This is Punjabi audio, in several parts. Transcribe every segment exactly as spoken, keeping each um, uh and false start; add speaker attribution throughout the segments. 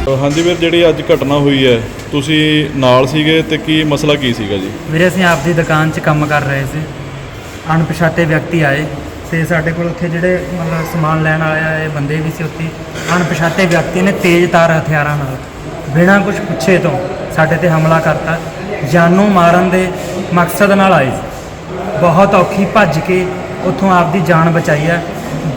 Speaker 1: हाँ जी वीर, जी अज घटना हुई है तुसी नाल सीगे ते की मसला की सीगा जी?
Speaker 2: ਵੀਰੇ ਅਸੀਂ ਆਪਦੀ ਦੁਕਾਨ 'ਚ ਕੰਮ ਕਰ ਰਹੇ ਸੀ। ਅਣਪਛਾਤੇ ਵਿਅਕਤੀ ਆਏ ਤੇ ਸਾਡੇ ਕੋਲ ਉੱਥੇ ਜਿਹੜੇ ਮਤਲਬ ਸਮਾਨ ਲੈਣ ਆਏ ਬੰਦੇ ਵੀ ਸੀ। ਉੱਥੇ ਅਣਪਛਾਤੇ ਵਿਅਕਤੀ ਨੇ ਤੇਜ਼ ਤਾਰ ਹਥਿਆਰਾਂ ਨਾਲ ਬਿਨਾਂ ਕੁਝ ਪੁੱਛੇ ਤੋਂ ਸਾਡੇ ਤੇ ਹਮਲਾ ਕਰਤਾ। ਜਾਨੋਂ ਮਾਰਨ ਦੇ ਮਕਸਦ ਨਾਲ ਆਏ ਸੀ। ਬਹੁਤ ਔਖੀ ਭੱਜ ਕੇ ਉੱਥੋਂ ਆਪਦੀ ਜਾਨ ਬਚਾਈ ਹੈ।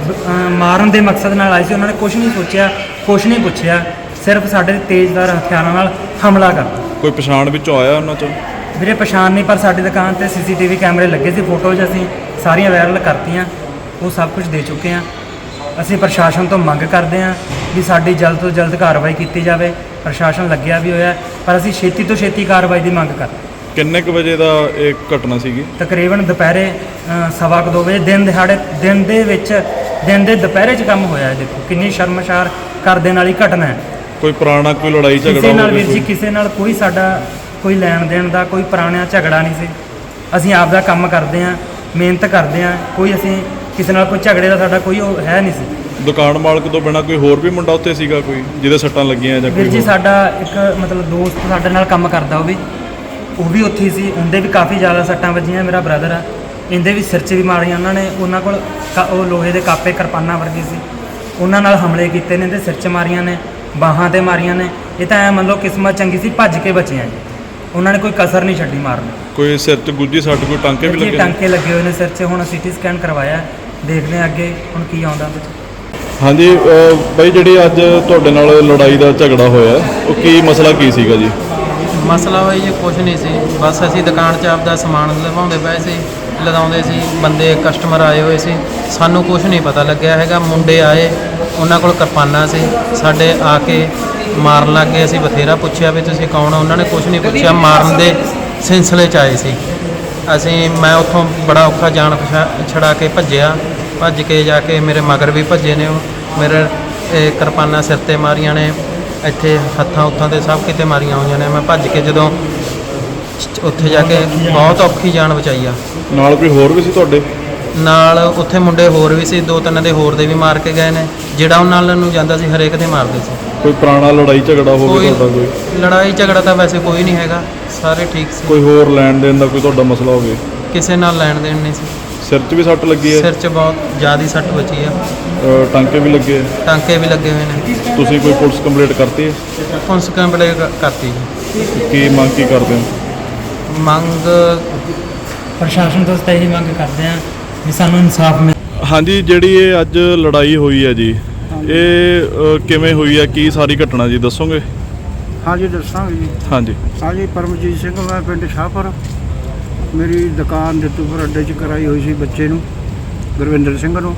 Speaker 2: ਮਾਰਨ ਦੇ ਮਕਸਦ ਨਾਲ ਆਏ ਸੀ। ਉਹਨਾਂ ਨੇ ਕੁਝ ਨਹੀਂ ਸੋਚਿਆ, ਕੁਝ ਨਹੀਂ ਪੁੱਛਿਆ, ਸਿਰਫ ਸਾਡੇ ਤੇਜ਼ਧਾਰ ਹਥਿਆਰਾਂ ਨਾਲ ਹਮਲਾ ਕਰਤਾ।
Speaker 1: ਕੋਈ ਪਛਾਣ ਵਿੱਚੋਂ ਆਇਆ ਉਹਨਾਂ ਚੋਂ?
Speaker 2: ਵੀਰੇ ਪਛਾਣ ਨਹੀਂ, ਪਰ ਸਾਡੀ ਦੁਕਾਨ ਤੇ ਸੀਸੀਟੀਵੀ ਕੈਮਰੇ ਲੱਗੇ ਸੀ। ਫੋਟੋਜ਼ ਅਸੀਂ ਸਾਰੀਆਂ ਵਾਇਰਲ ਕਰਤੀਆਂ, ਉਹ ਸਭ ਕੁਝ ਦੇ ਚੁੱਕੇ ਹਾਂ। ਅਸੀਂ ਪ੍ਰਸ਼ਾਸਨ ਤੋਂ ਮੰਗ ਕਰਦੇ ਹਾਂ ਵੀ ਸਾਡੀ ਜਲਦ ਤੋਂ ਜਲਦ ਕਾਰਵਾਈ ਕੀਤੀ ਜਾਵੇ। ਪ੍ਰਸ਼ਾਸਨ ਲੱਗਿਆ ਵੀ ਹੋਇਆ, ਪਰ ਅਸੀਂ ਛੇਤੀ ਤੋਂ ਛੇਤੀ ਕਾਰਵਾਈ ਦੀ ਮੰਗ ਕਰਦੇ।
Speaker 1: ਕਿੰਨੇ ਕੁ ਵਜੇ ਦਾ ਇਹ ਘਟਨਾ ਸੀਗੀ?
Speaker 2: ਤਕਰੀਬਨ ਦੁਪਹਿਰੇ ਸਵਾ ਕੁ ਦੋ ਵਜੇ, ਦਿਨ ਦਿਹਾੜੇ, ਦਿਨ ਦੇ ਵਿੱਚ ਦਿਨ ਦੇ ਦੁਪਹਿਰੇ 'ਚ ਕੰਮ ਹੋਇਆ। ਦੇਖੋ ਕਿੰਨੀ ਸ਼ਰਮਸ਼ਾਰ ਕਰ ਦੇਣ ਵਾਲੀ ਘਟਨਾ ਹੈ।
Speaker 1: ਕੋਈ ਪੁਰਾਣਾ ਕੋਈ ਲੜਾਈ ਝਗੜਾ
Speaker 2: ਕਿਸੇ ਨਾਲ ਵੀਰ ਜੀ, ਕਿਸੇ ਨਾਲ ਕੋਈ ਸਾਡਾ ਕੋਈ ਲੈਣ ਦੇਣ ਦਾ ਕੋਈ ਪੁਰਾਣਾ ਝਗੜਾ ਨਹੀਂ ਸੀ। ਅਸੀਂ ਆਪ ਦਾ ਕੰਮ ਕਰਦੇ ਹਾਂ, ਮਿਹਨਤ ਕਰਦੇ ਹਾਂ। ਕੋਈ ਅਸੀਂ ਕਿਸੇ ਨਾਲ ਕੋਈ ਝਗੜੇ ਦਾ ਸਾਡਾ ਕੋਈ ਉਹ ਹੈ ਨਹੀਂ ਸੀ।
Speaker 1: ਦੁਕਾਨ ਮਾਲਕ ਤੋਂ ਬਿਨਾਂ ਕੋਈ ਹੋਰ ਵੀ ਮੁੰਡਾ ਉੱਥੇ ਸੀਗਾ ਕੋਈ ਜਿਹਦੇ ਸੱਟਾਂ ਲੱਗੀਆਂ ਜਾਂ ਕੋਈ?
Speaker 2: ਵੀਰ ਜੀ ਸਾਡਾ ਇੱਕ ਮਤਲਬ ਦੋਸਤ ਸਾਡੇ ਨਾਲ ਕੰਮ ਕਰਦਾ, ਉਹ ਵੀ ਉਹ ਵੀ ਉੱਥੇ ਸੀ। ਉਹਦੇ ਵੀ ਕਾਫੀ ਜ਼ਿਆਦਾ ਸੱਟਾਂ ਵੱਜੀਆਂ। ਮੇਰਾ ਬ੍ਰਦਰ ਆ, ਇਹਦੇ ਵੀ ਸਿਰ 'ਚ ਵੀ ਮਾਰੀਆਂ ਉਹਨਾਂ ਨੇ। ਉਹਨਾਂ ਕੋਲ ਉਹ ਲੋਹੇ ਦੇ ਕਾਪੇ ਕਿਰਪਾਨਾਂ ਵਰਗੀ ਸੀ, ਉਹਨਾਂ ਨਾਲ ਹਮਲੇ ਕੀਤੇ ਨੇ ਤੇ ਸਿਰ 'ਚ ਮਾਰੀਆਂ ਨੇ, ਬਾਹਾਂ 'ਤੇ ਮਾਰੀਆਂ ਨੇ। ਇਹ ਤਾਂ ਐਂ ਮੰਨ ਲਓ ਕਿਸਮਤ ਚੰਗੀ ਸੀ, ਭੱਜ ਕੇ ਬਚੇ ਆ ਜੀ। ਉਹਨਾਂ ਨੇ ਕੋਈ ਕਸਰ ਨਹੀਂ ਛੱਡੀ ਮਾਰਨ।
Speaker 1: ਕੋਈ ਸਿਰ 'ਚ ਗੁੱਜੀ ਸੱਟ, ਕੋਈ ਟਾਂਕੇ ਵੀ ਲੱਗੇ?
Speaker 2: ਟਾਂਕੇ ਲੱਗੇ ਹੋਏ ਨੇ ਸਿਰ 'ਚ। ਹੁਣ ਸੀਟੀ ਸਕੈਨ ਕਰਵਾਇਆ, ਦੇਖਦੇ ਹਾਂ ਅੱਗੇ ਹੁਣ ਕੀ ਆਉਂਦਾ ਵਿੱਚ।
Speaker 1: ਹਾਂਜੀ ਬਾਈ, ਜਿਹੜੀ ਅੱਜ ਤੁਹਾਡੇ ਨਾਲ ਲੜਾਈ ਦਾ ਝਗੜਾ ਹੋਇਆ, ਉਹ ਕੀ ਮਸਲਾ ਕੀ ਸੀਗਾ ਜੀ?
Speaker 3: ਮਸਲਾ ਬਾਈ ਜੀ ਕੁਛ ਨਹੀਂ ਸੀ, ਬਸ ਅਸੀਂ ਦੁਕਾਨ 'ਚ ਆਪਦਾ ਸਮਾਨ ਲਵਾਉਂਦੇ ਪਏ ਸੀ, ਲਗਾਉਂਦੇ ਸੀ। ਬੰਦੇ ਕਸਟਮਰ ਆਏ ਹੋਏ ਸੀ, ਸਾਨੂੰ ਕੁਛ ਨਹੀਂ ਪਤਾ ਲੱਗਿਆ ਹੈਗਾ। ਮੁੰਡੇ ਆਏ, ਉਹਨਾਂ ਕੋਲ ਕਿਰਪਾਨਾਂ ਸੀ, ਸਾਡੇ ਆ ਕੇ ਮਾਰਨ ਲੱਗ ਗਏ। ਅਸੀਂ ਬਥੇਰਾ ਪੁੱਛਿਆ ਵੀ ਤੁਸੀਂ ਕੌਣ ਹੋ, ਉਹਨਾਂ ਨੇ ਕੁਛ ਨਹੀਂ ਪੁੱਛਿਆ। ਮਾਰਨ ਦੇ ਸਿਲਸਿਲੇ 'ਚ ਆਏ ਸੀ। ਅਸੀਂ ਮੈਂ ਉੱਥੋਂ ਬੜਾ ਔਖਾ ਜਾਨ ਪਛਾ ਛੜਾ ਕੇ ਭੱਜਿਆ। ਭੱਜ ਕੇ ਜਾ ਕੇ ਮੇਰੇ ਮਗਰ ਵੀ ਭੱਜੇ ਨੇ ਉਹ। ਮੇਰੇ ਕਿਰਪਾਨਾਂ ਸਿਰ 'ਤੇ ਮਾਰੀਆਂ ਨੇ, ਇੱਥੇ ਹੱਥਾਂ ਉੱਥਾਂ 'ਤੇ ਸਭ ਕਿਤੇ ਮਾਰੀਆਂ ਹੋਈਆਂ ਨੇ। ਮੈਂ ਭੱਜ ਕੇ ਜਦੋਂ ਉੱਥੇ ਜਾ ਕੇ ਬਹੁਤ ਔਖੀ ਜਾਨ ਬਚਾਈ ਆ।
Speaker 1: ਨਾਲ ਕੋਈ ਹੋਰ ਵੀ ਸੀ ਤੁਹਾਡੇ
Speaker 3: ਨਾਲ? ਉੱਥੇ ਮੁੰਡੇ ਹੋਰ ਵੀ ਸੀ, ਦੋ ਤਿੰਨ ਦੇ ਹੋਰ ਦੇ ਵੀ ਮਾਰ ਕੇ ਗਏ ਨੇ। ਜਿਹੜਾ ਉਹਨਾਂ ਨਾਲ ਨੂੰ ਜਾਂਦਾ ਸੀ ਹਰੇਕ ਦੇ ਮਾਰਦੇ ਸੀ।
Speaker 1: ਕੋਈ ਪੁਰਾਣਾ ਲੜਾਈ ਝਗੜਾ ਹੋਵੇ ਤੁਹਾਡਾ? ਕੋਈ
Speaker 3: ਲੜਾਈ ਝਗੜਾ ਤਾਂ ਵੈਸੇ ਕੋਈ ਨਹੀਂ ਹੈਗਾ, ਸਾਰੇ ਠੀਕ ਸੀ।
Speaker 1: ਕੋਈ ਹੋਰ ਲੈਣ ਦੇਣ ਦਾ ਕੋਈ ਤੁਹਾਡਾ ਮਸਲਾ ਹੋਵੇ?
Speaker 3: ਕਿਸੇ ਨਾਲ ਲੈਣ ਦੇਣ ਨਹੀਂ ਸੀ।
Speaker 1: ਸਿਰ 'ਚ ਵੀ ਸੱਟ ਲੱਗੀ ਹੈ?
Speaker 3: ਸਿਰ 'ਚ ਬਹੁਤ ਜ਼ਿਆਦਾ ਸੱਟ ਵੱਜੀ ਆ।
Speaker 1: ਅ, ਟਾਂਕੇ ਵੀ ਲੱਗੇ?
Speaker 3: ਟਾਂਕੇ ਵੀ ਲੱਗੇ ਹੋਏ ਨੇ।
Speaker 1: ਤੁਸੀਂ ਕੋਈ ਪੁਲਿਸ ਕੰਪਲੇਂਟ ਕਰਤੀ ਹੈ?
Speaker 3: ਪੁਲਿਸ ਕੰਪਲੇਂਟ ਕਰਤੀ ਜੀ।
Speaker 1: ਕੀ ਮੰਗ ਕੀ ਕਰਦੇ ਹੋ?
Speaker 3: ਮੰਗ
Speaker 2: ਪ੍ਰਸ਼ਾਸਨ ਤੋਂ ਤਾਂ ਇਹੀ ਮੰਗ ਕਰਦੇ ਹਾਂ ਵੀ ਸਾਨੂੰ ਇਨਸਾਫ ਮਿਲੇ।
Speaker 1: ਹਾਂਜੀ, ਜਿਹੜੀ ਇਹ ਅੱਜ ਲੜਾਈ ਹੋਈ ਹੈ ਜੀ, ਇਹ ਅ, ਕਿਵੇਂ ਹੋਈ ਹੈ? ਕੀ ਸਾਰੀ ਘਟਨਾ ਜੀ ਦੱਸੋਗੇ?
Speaker 4: ਹਾਂਜੀ ਦੱਸਾਂਗੇ ਜੀ।
Speaker 1: ਹਾਂਜੀ
Speaker 4: ਹਾਂਜੀ, ਪਰਮਜੀਤ ਸਿੰਘ, ਮੈਂ ਪਿੰਡ ਸ਼ਾਹਪੁਰ। ਮੇਰੀ ਦੁਕਾਨ ਜੱਤੂਪੁਰ ਅੱਡੇ 'ਚ ਕਰਾਈ ਹੋਈ ਸੀ ਬੱਚੇ ਨੂੰ, ਗੁਰਵਿੰਦਰ ਸਿੰਘ ਨੂੰ।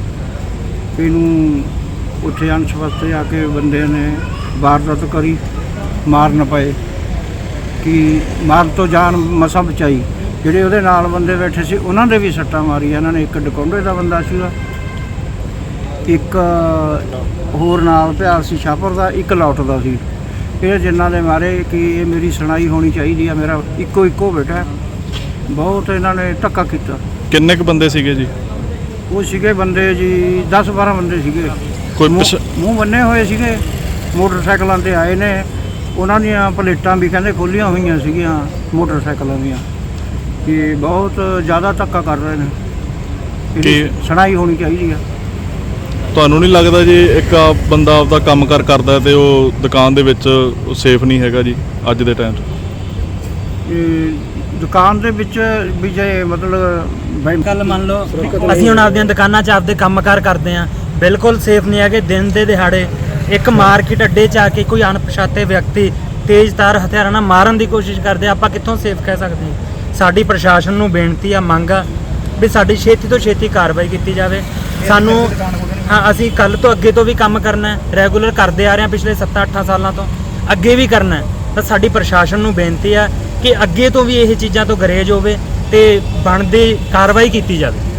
Speaker 4: ਇਹਨੂੰ ਉੱਥੇ ਅਣਸਵਸਤੇ ਆ ਕੇ ਬੰਦੇ ਨੇ ਵਾਰਦਾਤ ਕਰੀ, ਮਾਰ ਨਾ ਪਏ ਕਿ ਮਾਰਨ ਤੋਂ ਜਾਨ ਮਸਾਂ ਬਚਾਈ। ਜਿਹੜੇ ਉਹਦੇ ਨਾਲ ਬੰਦੇ ਬੈਠੇ ਸੀ ਉਹਨਾਂ ਦੇ ਵੀ ਸੱਟਾਂ ਮਾਰੀਆਂ ਇਹਨਾਂ ਨੇ। ਇੱਕ ਡਕੌਂਡੇ ਦਾ ਬੰਦਾ ਸੀਗਾ, ਇੱਕ ਹੋਰ ਨਾਲ ਪਿਆਰ ਸੀ ਸ਼ਾਹਪੁਰ ਦਾ, ਇੱਕ ਲੌਟ ਦਾ ਸੀ। ਇਹ ਜਿਨ੍ਹਾਂ ਦੇ ਮਾਰੇ ਕਿ ਇਹ ਮੇਰੀ ਸੁਣਾਈ ਹੋਣੀ ਚਾਹੀਦੀ ਆ। ਮੇਰਾ ਇੱਕੋ ਇੱਕੋ ਬੇਟਾ, ਬਹੁਤ ਇਹਨਾਂ ਨੇ ਧੱਕਾ ਕੀਤਾ।
Speaker 1: ਕਿੰਨੇ ਕੁ ਬੰਦੇ ਸੀਗੇ ਜੀ?
Speaker 4: ਉਹ ਸੀਗੇ ਬੰਦੇ ਜੀ ਦਸ ਬਾਰਾਂ ਬੰਦੇ ਸੀਗੇ।
Speaker 1: ਕੋਈ
Speaker 4: ਮੂੰਹ ਮੂੰਹ ਬੰਨੇ ਹੋਏ ਸੀਗੇ, ਮੋਟਰਸਾਈਕਲਾਂ 'ਤੇ ਆਏ ਨੇ। ਉਹਨਾਂ ਦੀਆਂ ਪਲੇਟਾਂ ਵੀ ਕਹਿੰਦੇ ਖੋਲ੍ਹੀਆਂ ਹੋਈਆਂ ਸੀਗੀਆਂ ਮੋਟਰਸਾਈਕਲਾਂ ਦੀਆਂ। ਕਿ ਬਹੁਤ ਜ਼ਿਆਦਾ ਧੱਕਾ ਕਰ ਰਹੇ ਨੇ। ਇਹਦੀ ਸੁਣਾਈ ਹੋਣੀ ਚਾਹੀਦੀ ਆ।
Speaker 1: ਤੁਹਾਨੂੰ ਨਹੀਂ ਲੱਗਦਾ ਜੀ ਇੱਕ ਆਪ ਬੰਦਾ ਆਪਦਾ ਕੰਮ ਕਾਰ ਕਰਦਾ ਤੇ ਉਹ ਦੁਕਾਨ ਦੇ ਵਿੱਚ ਸੇਫ ਨਹੀਂ ਹੈਗਾ ਜੀ ਅੱਜ ਦੇ ਟਾਈਮ 'ਚ?
Speaker 4: ਦੁਕਾਨ ਦੇ ਵਿੱਚ ਵੀ ਜੇ ਮਤਲਬ
Speaker 2: ਕੱਲ ਮੰਨ ਲਓ ਅਸੀਂ ਹੁਣ ਆਪਦੀਆਂ ਦੁਕਾਨਾਂ 'ਚ ਆਪਦੇ ਕੰਮਕਾਰ ਕਰਦੇ ਹਾਂ, ਬਿਲਕੁਲ ਸੇਫ ਨਹੀਂ ਹੈਗੇ। ਦਿਨ ਦੇ ਦਿਹਾੜੇ ਇੱਕ ਮਾਰਕੀਟ ਅੱਡੇ 'ਚ ਆ ਕੇ ਕੋਈ ਅਣਪਛਾਤੇ ਵਿਅਕਤੀ ਤੇਜ਼ ਤਾਰ ਹਥਿਆਰਾਂ ਨਾਲ ਮਾਰਨ ਦੀ ਕੋਸ਼ਿਸ਼ ਕਰਦੇ, ਆਪਾਂ ਕਿੱਥੋਂ ਸੇਫ ਕਹਿ ਸਕਦੇ ਹਾਂ? ਸਾਡੀ ਪ੍ਰਸ਼ਾਸਨ ਨੂੰ ਬੇਨਤੀ ਆ, ਮੰਗ ਆ ਵੀ ਸਾਡੀ ਛੇਤੀ ਤੋਂ ਛੇਤੀ ਕਾਰਵਾਈ ਕੀਤੀ ਜਾਵੇ। ਸਾਨੂੰ ਹਾਂ, ਅਸੀਂ ਕੱਲ੍ਹ ਤੋਂ ਅੱਗੇ ਤੋਂ ਵੀ ਕੰਮ ਕਰਨਾ, ਰੈਗੂਲਰ ਕਰਦੇ ਆ ਰਹੇ ਹਾਂ ਪਿਛਲੇ ਸੱਤਾਂ ਅੱਠਾਂ ਸਾਲਾਂ ਤੋਂ, ਅੱਗੇ ਵੀ ਕਰਨਾ। ਤਾਂ ਸਾਡੀ ਪ੍ਰਸ਼ਾਸਨ ਨੂੰ ਬੇਨਤੀ ਆ ਕਿ ਅੱਗੇ ਤੋਂ ਵੀ ਇਹ ਚੀਜ਼ਾਂ ਤੋਂ ਗਰੇਜ ਹੋਵੇ ਤੇ ਬਣਦੀ ਕਾਰਵਾਈ ਕੀਤੀ ਜਾਵੇ।